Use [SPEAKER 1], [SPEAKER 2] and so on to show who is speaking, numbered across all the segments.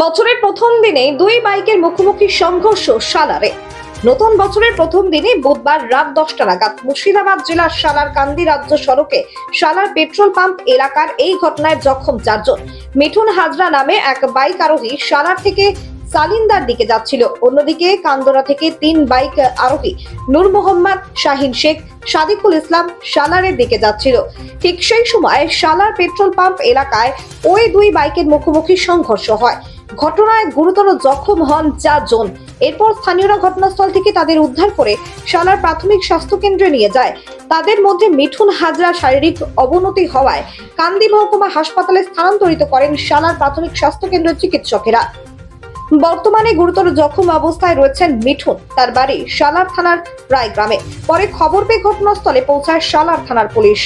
[SPEAKER 1] বছরের প্রথম দিনে দুই বাইকের মুখোমুখি সংঘর্ষ সালারে। নতুন বছরের প্রথম দিনে বুধবার রাত 10টা নাগাদ মুর্শিদাবাদ জেলার সালার কান্দি রাজ্য সড়কে সালার পেট্রোল পাম্প এলাকার এই ঘটনায় জখম 4 জন। মিঠুন হাজরা নামে এক বাইক আরোহী সালার থেকে সালিন্দার দিকে যাচ্ছিল, অন্যদিকে কান্দোরা থেকে 3 বাইক আরোহী নূর মোহাম্মদ, শাহিন শেখ, সাদিকুল ইসলাম সালারের দিকে যাচ্ছিল। ঠিক সেই সময় সালার পেট্রোল পাম্প এলাকায় ওই দুই বাইকের মুখোমুখি সংঘর্ষ হয়। ঘটনায় গুরুতর জখম হন 4 জন। এরপর স্থানীয়রা ঘটনাস্থল থেকে তাদের উদ্ধার করে সালার প্রাথমিক স্বাস্থ্য কেন্দ্রে নিয়ে যায়। তাদের মধ্যে মিঠুন হাজরা শারীরিক অবনতি হওয়ায় কান্দি মহকুমা হাসপাতালে স্থানান্তরিত করেন সালার প্রাথমিক স্বাস্থ্য কেন্দ্রের চিকিৎসকেরা। বর্তমানে গুরুতর জখম অবস্থায় রয়েছেন মিঠুন। তার বাড়ি সালার থানার রায় গ্রামে। পরে খবর পেয়ে ঘটনাস্থলে পৌঁছায় সালার থানার পুলিশ।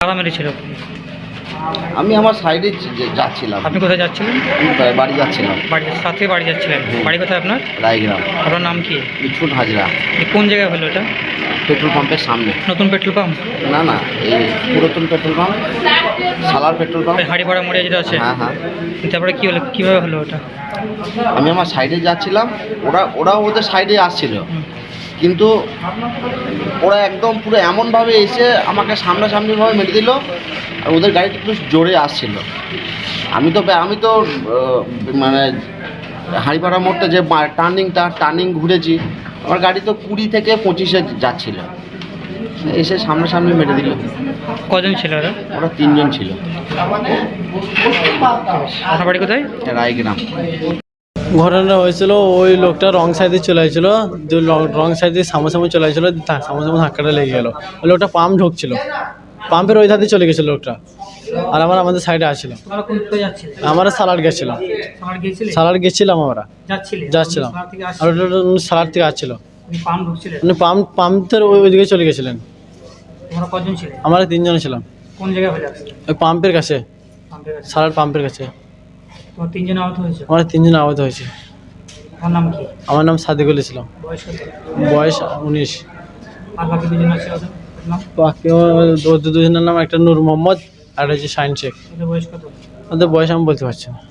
[SPEAKER 2] আমি আমার সাইডে যাচ্ছিলাম।
[SPEAKER 3] আপনি কোথায় যাচ্ছিলেন?
[SPEAKER 2] বাড়ি যাচ্ছিলাম।
[SPEAKER 3] বাড়ি যাচ্ছিলেন। বাড়ি কোথায় আপনার?
[SPEAKER 2] রায়গ্রাম।
[SPEAKER 3] আপনার নাম কি?
[SPEAKER 2] মিঠুন হাজরা।
[SPEAKER 3] কোন জায়গায় হলো এটা?
[SPEAKER 2] পেট্রোল পাম্পের সামনে।
[SPEAKER 3] নতুন পেট্রোল পাম্প?
[SPEAKER 2] না না, এই পুরাতন petrol pump, Salar petrol pump.
[SPEAKER 3] হাড়িপাড়া মোড়ে যেটা আছে?
[SPEAKER 2] হ্যাঁ হ্যাঁ।
[SPEAKER 3] তারপরে কি হলো, কিভাবে হলো ওটা?
[SPEAKER 2] আমি আমার সাইডে যাচ্ছিলাম, ওরা ওদের সাইডে আসছিল, কিন্তু ওরা একদম পুরো এমনভাবে এসে আমাকে সামনাসামনিভাবে মেরে দিল। আর ওদের গাড়িটা একটু জোরে আসছিল। আমি তো মানে হাড়িপাড়া মোড়টা যে টার্নিং ঘুরেছি, আমার গাড়ি তো 20 থেকে 25-এ যাচ্ছিল, এসে সামনাসামনি মেরে দিল।
[SPEAKER 3] কজন ছিল ওরা?
[SPEAKER 2] ওরা 3 জন ছিল।
[SPEAKER 3] আপনার বাড়ি কোথায়?
[SPEAKER 2] রায়গ্রাম।
[SPEAKER 4] ঘটনা হয়েছিল, ওই লোকটা রং সাইডে চলে আসছিল, রং সাইডে সামনাসামনি চলে আসছিল, সামনাসামনি ধাক্কাটা লেগে গেল। ওই লোকটা পাম্প ঢুকছিল, পাম্পের ওই ধারে চলে গেছিল লোকটা। আর আমাদের সাইডে আসছিল। আমরা সালার গেছিলাম। সালার গেছিলাম, আমরা যাচ্ছিলাম। আর ওটা সালার থেকে আসছিল, উনি পাম্পের ওইদিকে চলে গেছিলেন। আমরা 3 জন ছিলাম।
[SPEAKER 3] কোন জায়গায়?
[SPEAKER 4] ওই পাম্পের কাছে, সালার পাম্পের কাছে।
[SPEAKER 3] তোমার 3 জন আহত হয়েছে?
[SPEAKER 4] আমরা 3 জন আহত হয়েছে।
[SPEAKER 3] আমার নাম কি?
[SPEAKER 4] আমার নাম সাদিকুল ইসলাম। বয়স 19।
[SPEAKER 3] আর বাকি 2 জন আছে ওদের নাম?
[SPEAKER 4] বাকি দুজনের নাম একটা নূর মোহাম্মদ আর হচ্ছে শাহিন শেখ।
[SPEAKER 3] ওদের বয়স কত?
[SPEAKER 4] ওদের বয়স আমি বলতে পারছি না।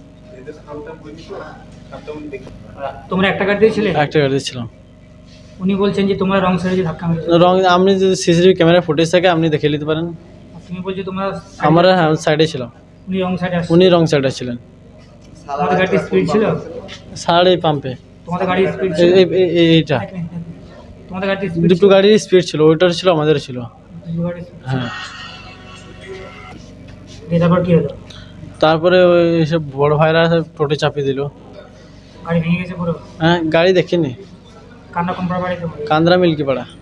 [SPEAKER 3] তোমরা একটা গাড়ি দিয়েছিলে?
[SPEAKER 4] একটা গাড়িতে ছিলাম।
[SPEAKER 3] উনি বলছেন যে তোমরা রং সাইডে ধাক্কা মেরেছো।
[SPEAKER 4] আপনি যদি সিসিটিভি ক্যামেরা ফুটেজ থাকে আপনি দেখে নিতে পারেন।
[SPEAKER 3] তুমি বলছো তোমরা?
[SPEAKER 4] আমরা সাইডে ছিলাম।
[SPEAKER 3] উনি রং সাইডে আসছেন?
[SPEAKER 4] উনি রং সাইডে ছিলেন।
[SPEAKER 3] তোমাদের গাড়ি স্পিড ছিল?
[SPEAKER 4] সাড়ে এই পাম্পে
[SPEAKER 3] তোমাদের গাড়ি স্পিড ছিল?
[SPEAKER 4] এইটা
[SPEAKER 3] তোমাদের গাড়ি স্পিড?
[SPEAKER 4] দুটো গাড়ির স্পিড ছিল, ওইটার ছিল, আমাদের ছিল।
[SPEAKER 3] দুটো গাড়ি?
[SPEAKER 4] হ্যাঁ।
[SPEAKER 3] তারপর কি হলো?
[SPEAKER 4] তারপরে ওই সব বড় ভাইরা টোটে চাপিয়ে দিল।
[SPEAKER 3] গাড়ি ভেঙে গেছে পুরো?
[SPEAKER 4] হ্যাঁ, গাড়ি দেখিনি।
[SPEAKER 3] কান্না কোম্পানি বাড়িতে?
[SPEAKER 4] কান্দ্রা মিল্কি পাড়া।